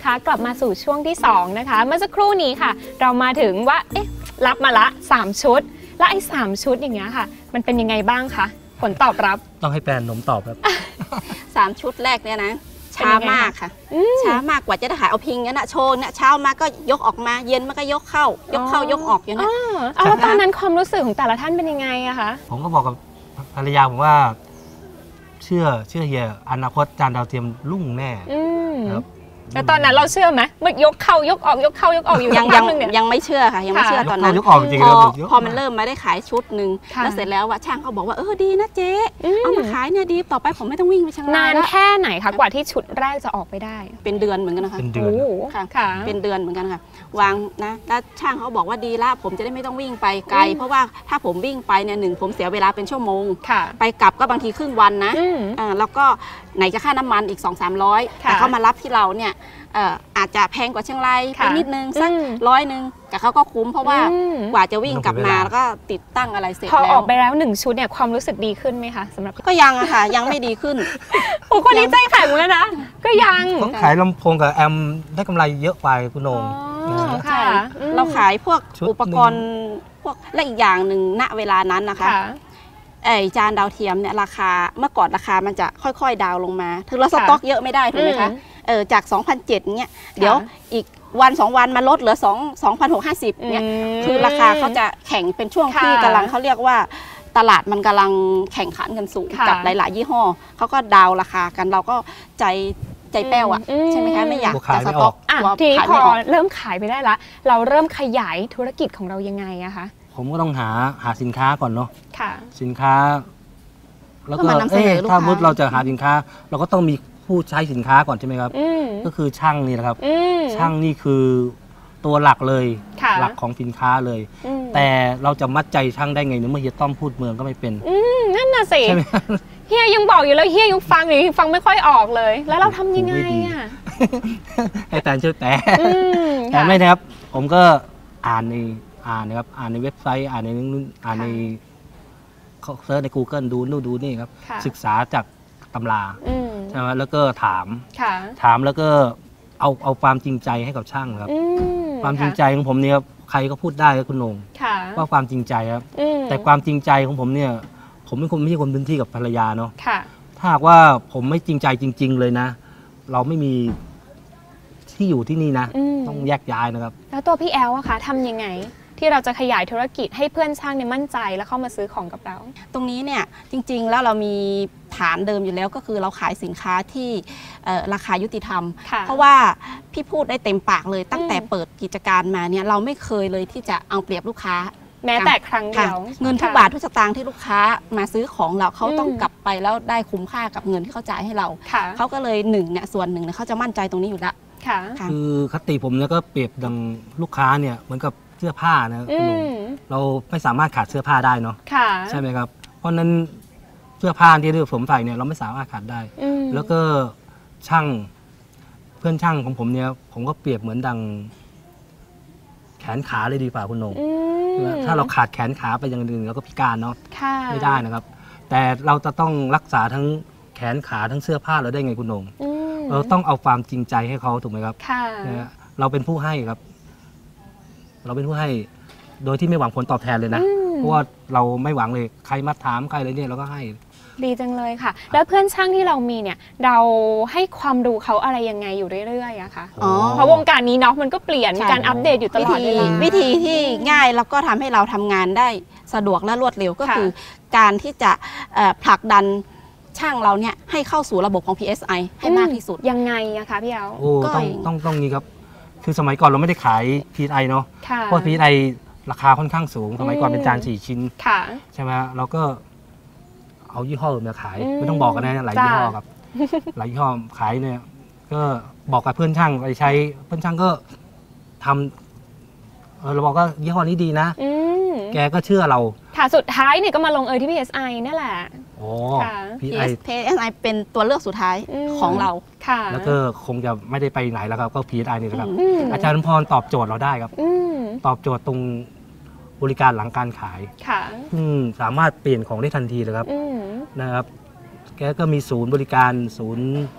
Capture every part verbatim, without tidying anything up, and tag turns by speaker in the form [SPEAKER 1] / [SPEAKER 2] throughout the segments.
[SPEAKER 1] คะกลับมาสู่ช่วงที่สองนะคะเมื่อสักครู่นี้ค่ะเรามาถึงว่าเอ๊ะรับมาละสามชุดแล้วไอ้สามชุดอย่างเงี้ยค่ะมันเป็นยังไงบ้างคะผลตอบรับ
[SPEAKER 2] ต้องให้แฟนนมตอบครับ
[SPEAKER 3] สามชุดแรกเนี่ยนะช้ามากค่ะช้ามากกว่าจะได้ขายเอาพิงงั้นนะโชว์เนี่ยเช้ามาก็ยกออกมาเย็นมันก็ยกเข้ายกเข้ายกออกอย่างนั้น
[SPEAKER 1] แล้วตอนนั้นความรู้สึกของแต่ละท่านเป็นยังไงอะคะ
[SPEAKER 2] ผมก็บอกกับภรรยาผมว่าเชื่อเชื่อเฮียอนาคตจานดาวเทียมรุ่งแน่ครับ
[SPEAKER 1] แต่ตอนนั้นเราเชื่อไหมเมื่อยกเข้ายกออกยกเข้ายกออกอยู่
[SPEAKER 3] ยังยังยังไม่เชื่อค่ะยังไม่เชื่อตอนนั้นพอพอมันเริ่มมาได้ขายชุดหนึ่งแล้วเสร็จแล้วว่าช่างเขาบอกว่าเออดีนะเจ๊เอามาขายเนี่ยดีต่อไปผมไม่ต้องวิ่งไปช่าง
[SPEAKER 1] นานแค่ไหนคะกว่าที่ชุดแรกจะออกไปได้
[SPEAKER 3] เป็นเดือนเหมือนกันนะคะ
[SPEAKER 2] เป็นเดือน
[SPEAKER 3] ค่ะเป็นเดือนเหมือนกันค่ะวางนะแล้วช่างเขาบอกว่าดีละผมจะได้ไม่ต้องวิ่งไปไกลเพราะว่าถ้าผมวิ่งไปเนี่ยหนึ่งผมเสียเวลาเป็นชั่วโมงไปกลับก็บางทีครึ่งวันนะแล้วก็ไหนจะค่าน้ำมันอีก สองถึงสามร้อย แต่เขามารับที่เราเนี่ยอาจจะแพงกว่าเชียงรายไปนิดนึงสักร้อยนึงแต่เขาก็คุ้มเพราะว่ากว่าจะวิ่งกลับมาแล้วก็ติดตั้งอะไรเสร็จแล้ว
[SPEAKER 1] พอออกไปแล้วหนึ่งชุดเนี่ยความรู้สึกดีขึ้นไหมคะสำหรับ
[SPEAKER 3] ก็ยังอะค่ะยังไม่ดีขึ้น
[SPEAKER 1] โอ้คนนี้ใจแข็งเลยนะก็ยัง
[SPEAKER 2] ต้องขายลำโพงกับแอมได้กำไรเยอะไปคุณโหน่ง
[SPEAKER 3] ค่ะเราขายพวกอุปกรณ์พวกและอีกอย่างหนึ่งณเวลานั้นนะคะไอจานดาวเทียมเนี่ยราคาเมื่อก่อนราคามันจะค่อยๆดาวลงมาถึงเราสต็อกเยอะไม่ได้ถูกไหมคะเออจาก สองพันเจ็ดร้อย เนี่ยเดี๋ยวอีกวันสองวันมาลดเหลือสอง สองพันหกร้อยห้าสิบ เนี่ยคือราคาเขาจะแข่งเป็นช่วงที่กำลังเขาเรียกว่าตลาดมันกำลังแข่งขันกันสูงกับหลายๆยี่ห้อเขาก็ดาวราคากันเราก็ใจใจแป้วอ่ะใช่ไหมคะไม่อยากจะสต็อก
[SPEAKER 1] ทีนี้พอเริ่มขายไปได้ละเราเริ่มขยายธุรกิจของเรายังไงอะคะ
[SPEAKER 2] ผมก็ต้องหาหาสินค้าก่อนเนาะ
[SPEAKER 1] ค่ะ
[SPEAKER 2] สินค้าแล้วก็เอ๊ะถ้ามุดเราจะหาสินค้าเราก็ต้องมีผู้ใช้สินค้าก่อนใช่ไหมครับก็คือช่างนี่แหละครับช่างนี่คือตัวหลักเลยหลักของสินค้าเลยแต่เราจะมัดใจช่างได้ไงเมื่อเฮียต้อมพูดเมืองก็ไม่เป็น
[SPEAKER 1] นั่นน่ะสิเฮียยังบอกอยู่แล้วเฮียยังฟังอยู่ฟังไม่ค่อยออกเลยแล้วเราทำยังไงอ่ะ
[SPEAKER 2] ให้แฟนช่วยแปลแต่ไม่นะครับผมก็อ่านในอ่านนะครับอ่านในเว็บไซต์อ่านในอ่านในเขาเซิร์ชใน กูเกิล ดูนู่นดูนี่ครับศึกษาจากตำราใช่ไหมแล้วก็ถามถามแล้วก็เอาเอาความจริงใจให้กับช่างครับความจริงใจของผมเนี่ยใครก็พูดได้ครับคุณโหน่งว่าความจริงใจครับแต่ความจริงใจของผมเนี่ยผมเป็นคนไม่ใช่คนพื้นที่กับภรรยาเนาะถ้าหากว่าผมไม่จริงใจจริงๆเลยนะเราไม่มีที่อยู่ที่นี่นะต้องแยกย้ายนะครับ
[SPEAKER 1] แล้วตัวพี่แอลอะคะทำยังไงที่เราจะขยายธุรกิจให้เพื่อนช่างเนี่ยมั่นใจแล้วเข้ามาซื้อของกับเรา
[SPEAKER 3] ตรงนี้เนี่ยจริงๆแล้วเรามีฐานเดิมอยู่แล้วก็คือเราขายสินค้าที่ราคายุติธรรมเพราะว่าพี่พูดได้เต็มปากเลยตั้งแต่เปิดกิจการมาเนี่ยเราไม่เคยเลยที่จะเอาเปรียบลูกค้า
[SPEAKER 1] แม้แต่ครั้งเดียว
[SPEAKER 3] เงินทุกบาททุกสตางค์ที่ลูกค้ามาซื้อของเราเขาต้องกลับไปแล้วได้คุ้มค่ากับเงินที่เขาจ่ายให้เราเขาก็เลยหนึ่งเนี่ยส่วนหนึ่งเนี่ยเขาจะมั่นใจตรงนี้อยู่แล้ว
[SPEAKER 2] คือคติผมเนี่ยก็เปรียบดังลูกค้าเนี่ยเหมือนกับเสื้อผ้านะคุณลุงเราไม่สามารถขาดเสื้อผ้าได้เนาะใช่ไหมครับเพราะนั้นเสื้อผ้าที่ผมใส่เนี่ยเราไม่สามารถขาดได้แล้วก็ช่างเพื่อนช่างของผมเนี่ยผมก็เปรียบเหมือนดังแขนขาเลยดีกว่าคุณนงถ้าเราขาดแขนขาไปอย่างอื่นเราก็พิการเนาะไม่ได้นะครับแต่เราจะต้องรักษาทั้งแขนขาทั้งเสื้อผ้าเราได้ไงคุณนงเราต้องเอาความจริงใจให้เขาถูกไหมครับเราเป็นผู้ให้ครับเราเป็นผู้ให้โดยที่ไม่หวังผลตอบแทนเลยนะเพราะว่าเราไม่หวังเลยใครมาถามใครอะไรเนี่ยเราก็ให้
[SPEAKER 1] ดีจังเลยค่ะแล้วเพื่อนช่างที่เรามีเนี่ยเราให้ความรู้เขาอะไรยังไงอยู่เรื่อยๆอะคะเพราะวงการนี้เนาะมันก็เปลี่ยนมีการอัปเดตอยู่ตลอดเวลา
[SPEAKER 3] วิธีที่ง่ายแล้วก็ทำให้เราทำงานได้สะดวกและรวดเร็วก็คือการที่จะผลักดันช่างเราเนี่ยให้เข้าสู่ระบบของ พี เอส ไอ ให้มากที่สุด
[SPEAKER 1] ยังไงอะคะพี่เอ๋
[SPEAKER 2] โอ้ต้องต้องต้องนี้ครับคือสมัยก่อนเราไม่ได้ขาย พี เอส ไอ เนาะเพราะ พี เอส ไอ ราคาค่อนข้างสูงสมัยก่อนเป็นจานสี่ชิ้นใช่ไหมเราก็เอายี่ห้ออื่นมาขายไม่ต้องบอกกันนะหลายยี่ห้อครับหลายยี่ห้อขายเนี่ยก็บอกกับเพื่อนช่างไปใช้เพื่อนช่างก็ทำเออเราบอกว่ายี่ห้อนี้ดีนะแกก็เชื่อเรา
[SPEAKER 1] ค่ะสุดท้ายเนี่ยก็มาลงเอยที่ พี เอส ไอ นี่แหละ
[SPEAKER 2] โอ้
[SPEAKER 3] พี เอส ไอ เป็นตัวเลือกสุดท้ายของเรา
[SPEAKER 1] ค่ะ
[SPEAKER 2] แล้วก็คงจะไม่ได้ไปไหนแล้วครับก็ พี เอส ไอ นี่แหละครับอาจารย์พรตอบโจทย์เราได้ครับตอบโจทย์ตรงบริการหลังการขายสามารถเปลี่ยนของได้ทันทีเลยครับนะครับแกก็มีศูนย์บริการศูนย์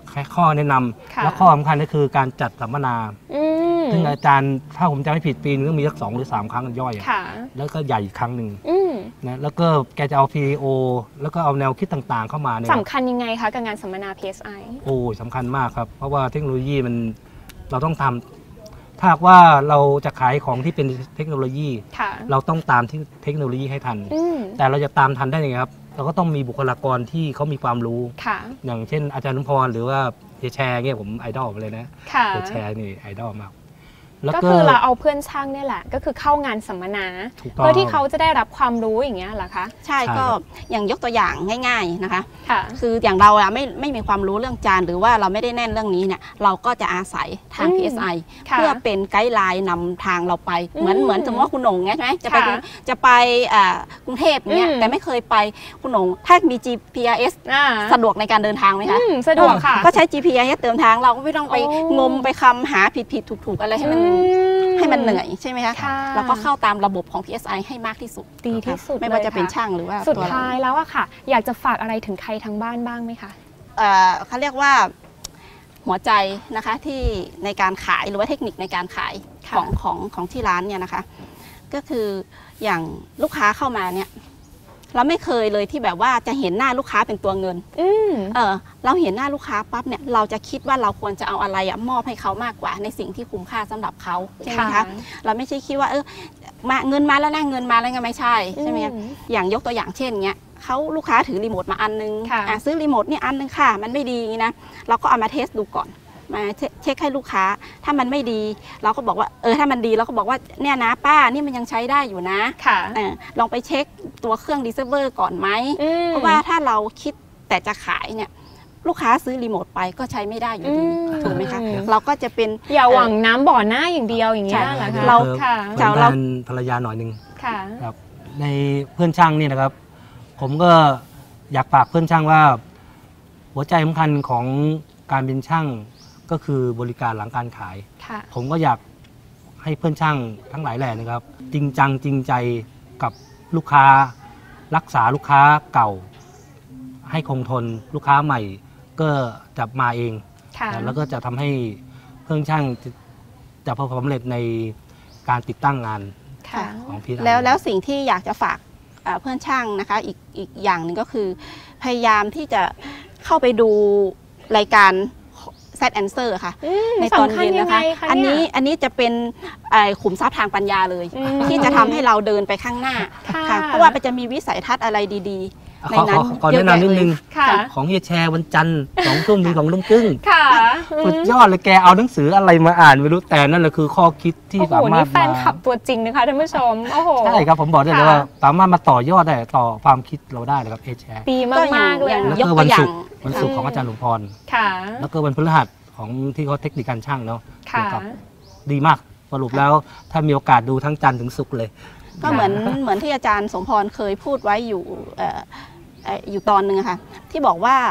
[SPEAKER 2] แค่ข้อแนะนำแล้วข้อสำคัญก็คือการจัดสัมมนาซึ่งอาจารย์ถ้าผมจำไม่ผิดปีนึงก็มีสักสองหรือสามครั้งย่อยแล้วก็ใหญ่อีกครั้งหนึ่งนะแล้วก็แกจะเอา พี โอ แล้วก็เอาแนวคิดต่างๆเข้ามาเนี่ย
[SPEAKER 1] สำคัญยังไงคะกับงานสัมมนา พี เอส ไอ
[SPEAKER 2] โอ้สำคัญมากครับเพราะว่าเทคโนโลยีมันเราต้องทำถ้าว่าเราจะขายของที่เป็นเทคโนโลยีเราต้องตามที่เทคโนโลยีให้ทันแต่เราจะตามทันได้ยังไงครับเราก็ต้องมีบุคลากรที่เขามีความรู้อย่างเช่นอาจารย์นุพรหรือว่าเฮียแชร์เงี้ยผมไอดอลเลยนะเฮียแชร์นี่ไอดอลมาก
[SPEAKER 1] ก็คือเราเอาเพื่อนช่างเนี่ยแหละก็คือเข้างานสัมมนาเพื่อที่เขาจะได้รับความรู้อย่างเงี้ยเหรอคะ
[SPEAKER 3] ใช่ก็อย่างยกตัวอย่างง่ายๆนะคะคืออย่างเราอะไม่ไม่มีความรู้เรื่องจานหรือว่าเราไม่ได้แน่นเรื่องนี้เนี่ยเราก็จะอาศัยทาง พี เอส ไอ เพื่อเป็นไกด์ไลน์นำทางเราไปเหมือนเหมือนสมมติว่าคุณหนงไงใช่ไหมจะไปจะไปกรุงเทพเนี่ยแต่ไม่เคยไปคุณหนงถ้ามี จี พี อาร์ เอส สะดวกในการเดินทางไหมคะ
[SPEAKER 1] สะดวกค่ะ
[SPEAKER 3] ก็ใช้ จี พี อาร์ เอส เติมทางเราก็ไม่ต้องไปงมไปคำหาผิดๆถูกๆอะไรให้มันให้มันเหนื่อยใช่ไหมคะแล้วก็เข้าตามระบบของ พี เอส ไอ ให้มากที่สุด
[SPEAKER 1] ดีที่สุด
[SPEAKER 3] ไม่ว่าจะเป็นช่างหรือว่า
[SPEAKER 1] สุดท้ายแล้วอะค่ะอยากจะฝากอะไรถึงใครทางบ้านบ้างไหมคะ
[SPEAKER 3] เขาเรียกว่าหัวใจนะคะที่ในการขายหรือว่าเทคนิคในการขายของของของที่ร้านเนี่ยนะคะก็คืออย่างลูกค้าเข้ามาเนี่ยเราไม่เคยเลยที่แบบว่าจะเห็นหน้าลูกค้าเป็นตัวเงินเออเราเห็นหน้าลูกค้าปั๊บเนี่ยเราจะคิดว่าเราควรจะเอาอะไรอะมอบให้เขามากกว่าในสิ่งที่คุ้มค่าสำหรับเขาใช่ไหมคะเราไม่ใช่คิดว่าเออมาเงินมาแล้วนะเงินมาแล้วไงไม่ใช่ใช่ไหมอย่างยกตัวอย่างเช่นเงี้ยเขาลูกค้าถือรีโมทมาอันนึงซื้อรีโมทนี่อันนึงค่ะมันไม่ดีนะเราก็เอามาเทสดูก่อนมาเช็คให้ลูกค้าถ้ามันไม่ดีเราก็บอกว่าเออถ้ามันดีเราก็บอกว่าเนี่ยนะป้านี่มันยังใช้ได้อยู่นะค่ะลองไปเช็คตัวเครื่องดีเซเวอร์ก่อนไหมเพราะว่าถ้าเราคิดแต่จะขายเนี่ยลูกค้าซื้อรีโมทไปก็ใช้ไม่ได้อยู่ดีถูกไหมคะเราก็จะเป็น
[SPEAKER 1] อย่าหวังน้ำบ่อหน้าอย่างเดียวอย่างเงี้ยเหรอคะ
[SPEAKER 2] เราค่ะเราภรรยาหน่อยนึงครับในเพื่อนช่างนี่นะครับผมก็อยากฝากเพื่อนช่างว่าหัวใจสำคัญของการเป็นช่างก็คือบริการหลังการขายผมก็อยากให้เพื่อนช่างทั้งหลายแหล่นะครับจริงจังจริงใจกับลูกค้ารักษาลูกค้าเก่าให้คงทนลูกค้าใหม่ก็จะมาเองแล้วก็จะทำให้เพื่อนช่างจะประสบความสำเร็จในการติดตั้งงานของพี่
[SPEAKER 3] แล้วแล้วสิ่งที่อยากจะฝากเพื่อนช่างนะคะอีกอีกอย่างหนึ่งก็คือพยายามที่จะเข้าไปดูรายการSet Answer ค่ะในตอนเย็นนะคะอันนี้อันนี้จะเป็นขุมทรัพย์ทางปัญญาเลยที่จะทำให้เราเดินไปข้างหน้าค่ะเพราะว่ามันจะมีวิสัยทัศน์อะไรดีๆในนั้น
[SPEAKER 2] ขอแนะนำนิดนึงของเฮียแชร์วันจันทร์สองทุ่มถึงของลุงกึ้งสุดยอดเลยแกเอาหนังสืออะไรมาอ่านไม่รู้แต่นั่นแหละคือข้อคิดที่สามารถ
[SPEAKER 1] แฟนคลับตัวจริงนะคะท่านผู้ชมโอ้โห
[SPEAKER 2] ใช่ครับผมบอกได้เลยว่าสามารถมาต่อยอดได้ต่อความคิดเราได้เลยครับเฮียแชร์
[SPEAKER 1] ดีมากๆเลย
[SPEAKER 2] แล้วก็วันศุกร์วันศุกร์ของอาจารย์หลวงพรแล้วก็วันพฤหัสของที่เขาเทคนิคการช่างเนาะดีมากสรุปแล้วถ้ามีโอกาสดูทั้งจันทร์ถึงศุกร์เลย
[SPEAKER 3] ก็เหมือนเหมือนที่อาจารย์สมพรเคยพูดไว้อยู่อยู่ตอนหนึ่งค่ะที่บอกว่า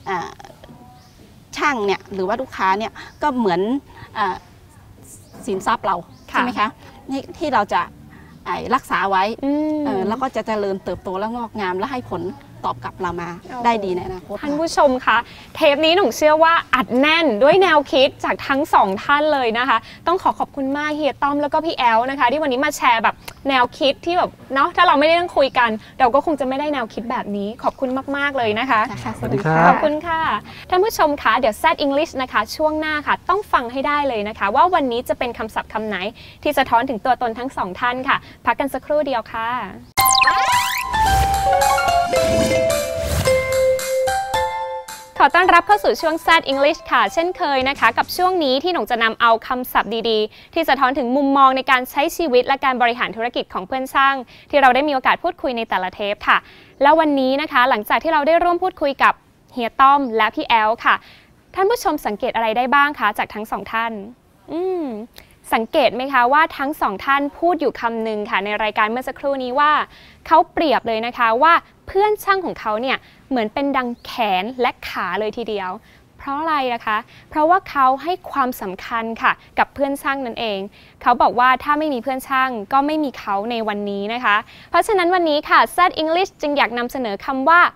[SPEAKER 3] ช่างเนี่ยหรือว่าลูกค้าเนี่ยก็เหมือนสินทรัพย์เราใช่ไหมคะที่เราจะรักษาไว้แล้วก็จะเจริญเติบโตและงอกงามและให้ผลตอบกลับเรามาได้ดีในอนาคต
[SPEAKER 1] ท่านผู้ชมคะเทปนี้หนูเชื่อว่าอัดแน่นด้วยแนวคิดจากทั้งสองท่านเลยนะคะต้องขอขอบคุณมากเฮียต้อมแล้วก็พี่แอลนะคะที่วันนี้มาแชร์แบบแนวคิดที่แบบเนาะถ้าเราไม่ได้นั่งคุยกันเราก็คงจะไม่ได้แนวคิดแบบนี้ขอบคุณมากๆเลยนะคะ
[SPEAKER 2] สวัสดีครับ
[SPEAKER 1] ขอบคุณค่ะท่านผู้ชมคะเดี๋ยว Set English นะคะช่วงหน้าค่ะต้องฟังให้ได้เลยนะคะว่าวันนี้จะเป็นคำศัพท์คำไหนที่สะท้อนถึงตัวตนทั้งสองท่านค่ะพักกันสักครู่เดียวค่ะขอต้อนรับเข้าสู่ช่วง Set English ค่ะเช่นเคยนะคะกับช่วงนี้ที่หนูจะนำเอาคำศัพท์ดีๆที่สะท้อนถึงมุมมองในการใช้ชีวิตและการบริหารธุรกิจของเพื่อนช่างที่เราได้มีโอกาสพูดคุยในแต่ละเทปค่ะแล้ววันนี้นะคะหลังจากที่เราได้ร่วมพูดคุยกับเฮียต้อมและพี่แอลค่ะท่านผู้ชมสังเกตอะไรได้บ้างคะจากทั้งสองท่านอืมสังเกตไหมคะว่าทั้งสองท่านพูดอยู่คำหนึ่งค่ะในรายการเมื่อสักครู่นี้ว่าเขาเปรียบเลยนะคะว่าเพื่อนช่างของเขาเนี่ยเหมือนเป็นดังแขนและขาเลยทีเดียวเพราะอะไรนะคะเพราะว่าเขาให้ความสำคัญค่ะกับเพื่อนช่างนั่นเองเขาบอกว่าถ้าไม่มีเพื่อนช่างก็ไม่มีเขาในวันนี้นะคะเพราะฉะนั้นวันนี้ค่ะ Set English จึงอยากนำเสนอคำว่า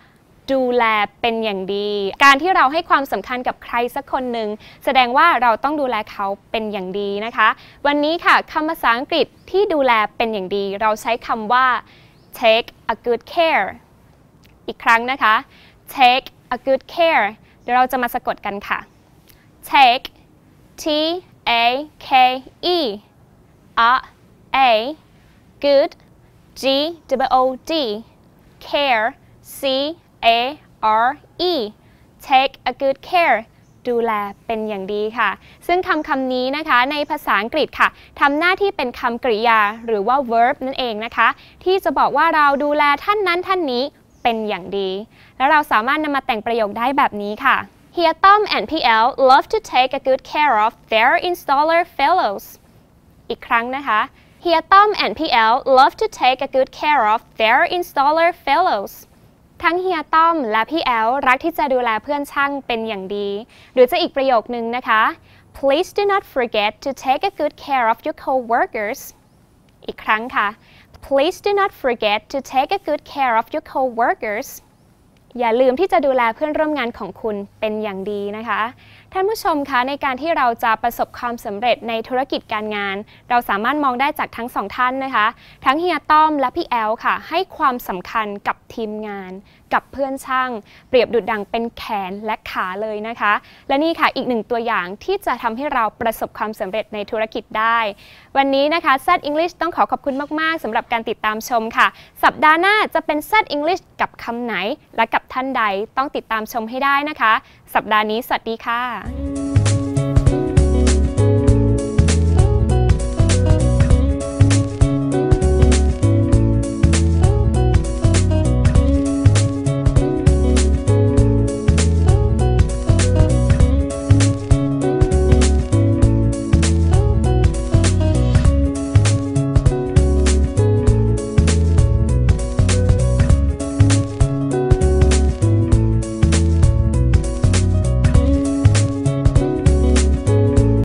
[SPEAKER 1] ดูแลเป็นอย่างดีการที่เราให้ความสำคัญกับใครสักคนหนึ่งแสดงว่าเราต้องดูแลเขาเป็นอย่างดีนะคะวันนี้ค่ะคำภาษาอังกฤษที่ดูแลเป็นอย่างดีเราใช้คำว่า take a good care อีกครั้งนะคะ take a good care เดี๋ยวเราจะมาสะกดกันค่ะ take T A K E a a good G W O D care C A R E take a good care ดูแลเป็นอย่างดีค่ะซึ่งคำคำนี้นะคะในภาษาอังกฤษค่ะทำหน้าที่เป็นคำกริยาหรือว่า verb นั่นเองนะคะที่จะบอกว่าเราดูแลท่านนั้นท่านนี้เป็นอย่างดีแล้วเราสามารถนำมาแต่งประโยคได้แบบนี้ค่ะเฮียต้อม and พี่แอล love to take a good care of their installer fellows อีกครั้งนะคะเฮียต้อม and พี่แอล love to take a good care of their installer fellows ทั้งเฮียต้อมและพี่แอลรักที่จะดูแลเพื่อนช่างเป็นอย่างดีหรือจะอีกประโยคนึงนะคะ Please do not forget to take a good care of your co-workers อีกครั้งค่ะ Please do not forget to take a good care of your co-workers อย่าลืมที่จะดูแลเพื่อนร่วมงานของคุณเป็นอย่างดีนะคะท่านผู้ชมคะในการที่เราจะประสบความสำเร็จในธุรกิจการงานเราสามารถมองได้จากทั้งสองท่านนะคะทั้งเฮียต้อมและพี่แอลค่ะให้ความสำคัญกับทีมงานกับเพื่อนช่างเปรียบดุจดังเป็นแขนและขาเลยนะคะและนี่ค่ะอีกหนึ่งตัวอย่างที่จะทำให้เราประสบความสำเร็จในธุรกิจได้วันนี้นะคะ แซด English ต้องขอขอบคุณมากๆสำหรับการติดตามชมค่ะสัปดาห์หน้าจะเป็น แซด English กับคำไหนและกับท่านใดต้องติดตามชมให้ได้นะคะสัปดาห์นี้สวัสดีค่ะ